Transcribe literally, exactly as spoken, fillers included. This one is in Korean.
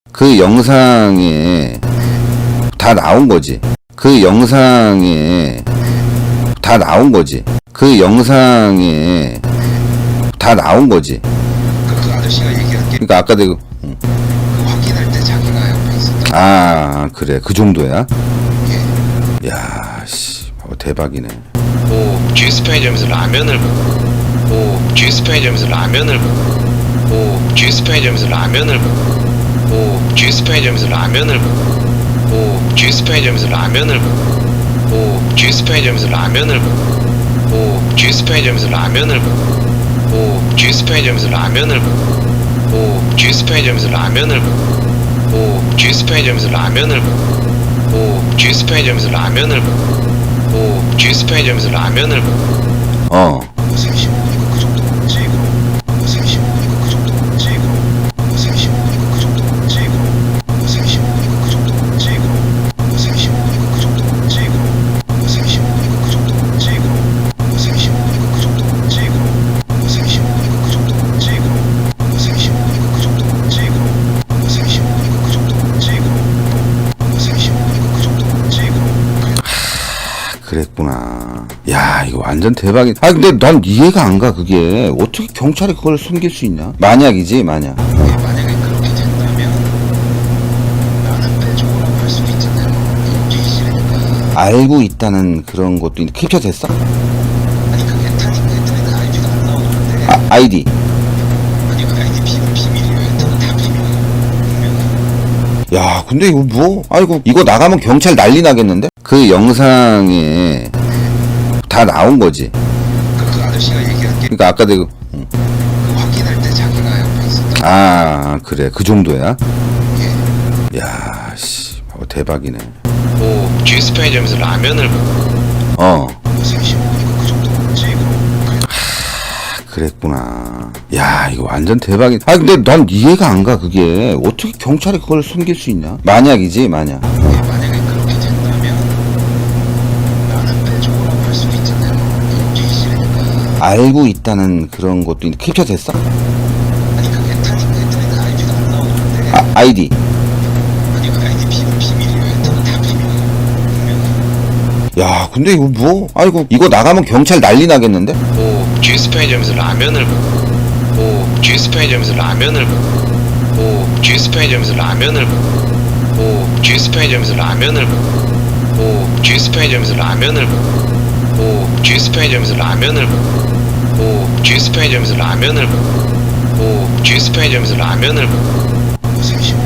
그 영상에 다 나온 거지. 그 영상에 다 나온 거지. 그 영상에 다 나온 거지. 그 아저씨가 얘기한 게 그러니까 아까 내가 응. 그 확인할 때 자기가 옆에 있었다. 아 그래 그 정도야? 예. 야 씨, 어, 대박이네. 오, 주스 편의점에서 라면을 먹고, 오, 주스 편의점에서 라면을 먹고, 오, 주스 편의점에서 라면을 먹고, 오, 주스 편의점에서 라면을 먹고, 오, 주스 편의점에서 라면을 먹고, 오, 주스 편의점에서 라면을 먹고, 오, 주스 편의점에서 라면을 먹고, 오, 주스 편의점에서 라면을 먹고, 오, 주스 편의점에서 라면을 먹고, 오, 주스 편의점에서 라면을 먹고, 오, 주스 편의점에서 라면을 먹고, 오, 주스 편의점에서 라면을 먹고. 어 생십 분이고 그 정도 먹지 그럼. 생십 분이고 그 정도 먹지 그럼. 생십 분이고 그 정도 먹지 그럼. 생십 분이고 그 정도 먹지 그럼. 생십 분이고 그 정도 먹지 그럼. 생십 분이고 그 정도 먹지 그럼. 생십 분이고 그 정도 먹지 그럼. 생십 분이고 그 정도 먹지 그럼. 생십 분이고 그 정도 먹지 그럼. 생십 분이고 그 정도 먹지 그럼. 생십 분이고 그 정도 먹지 그럼. 그랬구나. 야 이거 완전 대박이다. 아 근데 난 이해가 안 가. 그게 어떻게 경찰이 그걸 숨길 수 있냐. 만약이지 만약. 어. 만약에 그렇게 된다면 나는 빼줘라고 할 수도 있잖아요. 움직이기 싫으니까. 알고 있다는 그런 것도 있는데 캡처 됐어? 아니 그 에탄인가 에탄인가 아이디가 안 나오는데. 아, 아이디 아니 그 아이디 비밀 비밀이에요. 에탄은 다 비밀이에요. 분명히. 야 근데 이거 뭐 아이고 이거 나가면 경찰 난리 나겠는데? 그 영상에 다 나온 거지. 그, 그 아저씨가 얘기한 게 그 그러니까 아까 내가 응. 확인할 때 자기가 옆에 있었다. 아 그래 그 정도야? 예. 야 씨, 어, 대박이네. 오, 주스 편의점에서 라면을 먹고. 어 생십 분이고 그 정도 먹지 그럼. 그랬구나. 야 이거 완전 대박이다. 아 근데 난 이해가 안 가. 그게 어떻게 경찰이 그걸 숨길 수 있냐. 만약이지 만약. 어. 만약에 그렇게 된다면 나는 빼줘라고 할 수도 있잖아요. 움직이기 싫으니까. 알고 있다는 그런 것도 있는데 캡처 됐어? 아니 그 에탄인가 에탄인가 아이디가 안 나오는데. 아, 아이디 아니 그 아이디 비밀 비밀이에요. 에탄은 다 비밀이에요. 분명히. 야 근데 이거 뭐 아이고 이거 나가면 경찰 난리 나겠는데? 오, 주스 편의점에서 라면을 먹고. 오, 주스 편의점에서 라면을 먹고. 오, 주스 편의점에서 라면을 먹고. 오, 주스 편의점에서 라면을 먹고. 오, 주스 편의점에서 라면을 먹고. 오, 주스 편의점에서 라면을 먹고. 오, 주스 편의점에서 라면을 먹고. 오, 주스 편의점에서 라면을 먹고. 생십